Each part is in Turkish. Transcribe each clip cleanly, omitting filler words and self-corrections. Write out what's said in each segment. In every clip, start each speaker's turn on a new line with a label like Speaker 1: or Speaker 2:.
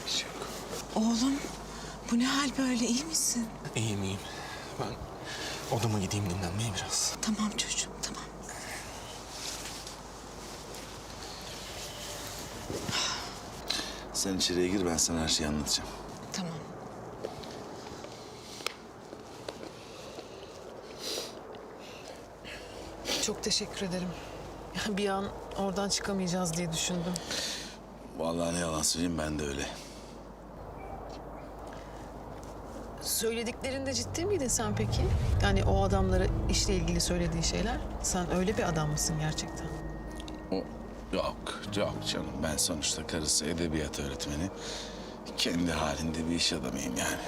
Speaker 1: Bir şey yok.
Speaker 2: Oğlum, bu ne hal böyle, iyi misin?
Speaker 1: İyiyim iyiyim. Ben odama gideyim dinlenmeye biraz.
Speaker 2: Tamam çocuğum, tamam.
Speaker 3: Sen içeriye gir, ben sana her şeyi anlatacağım.
Speaker 2: Tamam.
Speaker 4: Çok teşekkür ederim. Ya bir an oradan çıkamayacağız diye düşündüm.
Speaker 3: Vallahi ne yalan söyleyeyim, ben de öyle.
Speaker 4: Söylediklerinde ciddi miydin sen peki? Yani o adamlara işle ilgili söylediği şeyler. Sen öyle bir adam mısın gerçekten?
Speaker 3: Yok canım. Ben sonuçta karısı edebiyat öğretmeni. Kendi halinde bir iş adamıyım yani.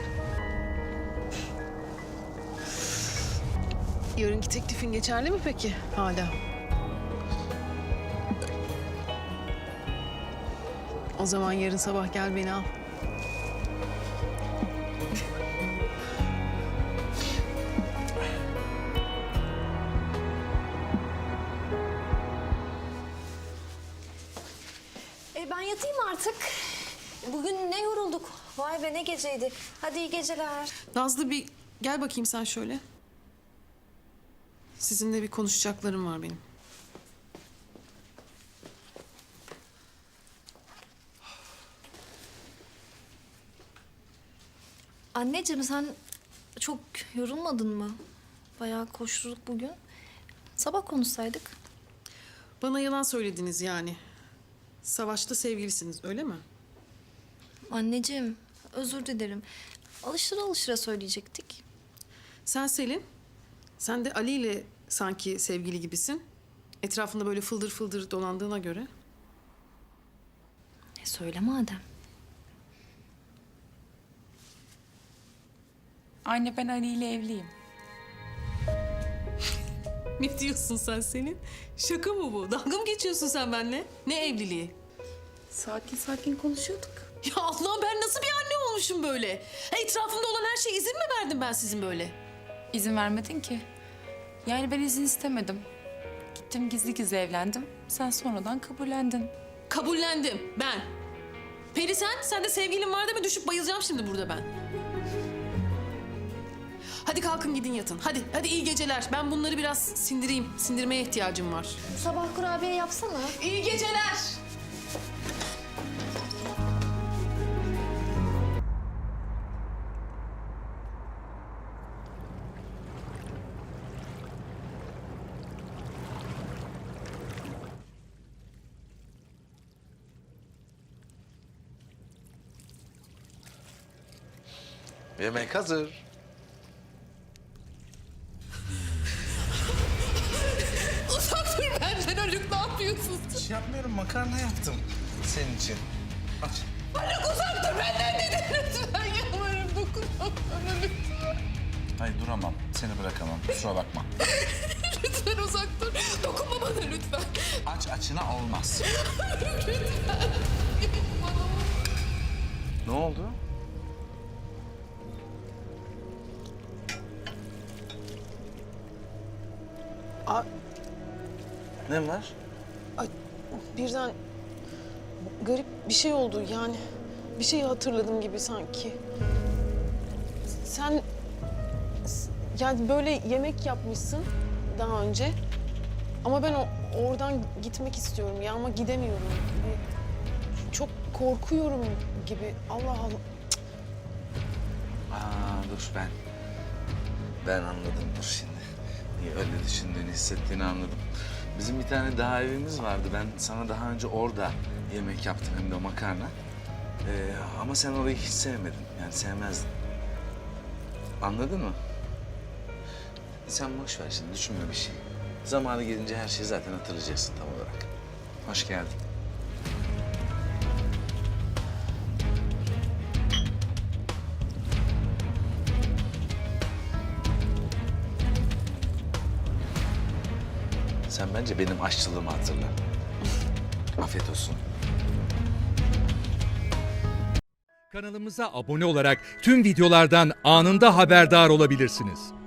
Speaker 4: Yarınki teklifin geçerli mi peki hala? O zaman yarın sabah gel beni al.
Speaker 5: Ben yatayım artık. Bugün ne yorulduk. Vay be ne geceydi. Hadi iyi geceler.
Speaker 4: Nazlı bir gel bakayım sen şöyle. Sizinle bir konuşacaklarım var benim.
Speaker 5: Anneciğim sen çok yorulmadın mı? Bayağı koşturduk bugün. Sabah konuşsaydık.
Speaker 4: Bana yalan söylediniz yani. Savaşta sevgilisiniz öyle mi?
Speaker 5: Anneciğim özür dilerim. Alıştıra alıştıra söyleyecektik.
Speaker 4: Sen Selin, sen de Ali ile sanki sevgili gibisin. Etrafında böyle fıldır fıldır dolandığına göre.
Speaker 5: Söyle madem.
Speaker 6: Anne ben Ali ile evliyim.
Speaker 4: Ne diyorsun sen Selin? Şaka mı bu? Dalga mı geçiyorsun sen benimle? Ne evliliği?
Speaker 6: Sakin sakin konuşuyorduk.
Speaker 4: Ya Allah'ım ben nasıl bir anne olmuşum böyle? Etrafımda olan her şeye izin mi verdim ben sizin böyle?
Speaker 6: İzin vermedin ki. Yani ben izin istemedim. Gittim gizli gizli evlendim. Sen sonradan kabullendin.
Speaker 4: Kabullendim ben. Peri sen de sevgilin var değil mi? Düşüp bayılacağım şimdi burada ben. Hadi kalkın gidin yatın. Hadi iyi geceler. Ben bunları biraz sindireyim. Sindirmeye ihtiyacım var.
Speaker 5: Sabah kurabiye yapsana.
Speaker 4: İyi geceler.
Speaker 3: Yemek hazır.
Speaker 4: Uzak dur benden Haluk, ne yapıyorsun?
Speaker 3: Hiç yapmıyorum, makarna yaptım senin için. Aç.
Speaker 4: Haluk uzak dur benden dedi. Lütfen yalvarırım dokunma bana lütfen.
Speaker 3: Hayır duramam, seni bırakamam. Kusura bakma.
Speaker 4: Lütfen uzak dur. Dokunma bana lütfen.
Speaker 3: Aç açına olmaz.
Speaker 4: Lütfen.
Speaker 3: Ne oldu? Ne var?
Speaker 4: Ay, birden garip bir şey oldu yani. Bir şeyi hatırladım gibi sanki. Sen yani böyle yemek yapmışsın daha önce. Ama ben oradan gitmek istiyorum ya ama gidemiyorum. Çok korkuyorum gibi. Allah Allah.
Speaker 3: Dur ben anladım dur şimdi. Niye öyle düşündüğünü, hissettiğini anladım. Bizim bir tane daha evimiz vardı. Ben sana daha önce orada yemek yaptım, hem de makarna. Ama sen orayı hiç sevmedin. Yani sevmezdin. Anladın mı? Sen boş ver şimdi, düşünme bir şey. Zamanı gelince her şeyi zaten hatırlayacaksın tam olarak. Hoş geldin. Sen bence benim aşçılığımı hatırla. Afiyet olsun.
Speaker 7: Kanalımıza abone olarak tüm videolardan anında haberdar olabilirsiniz.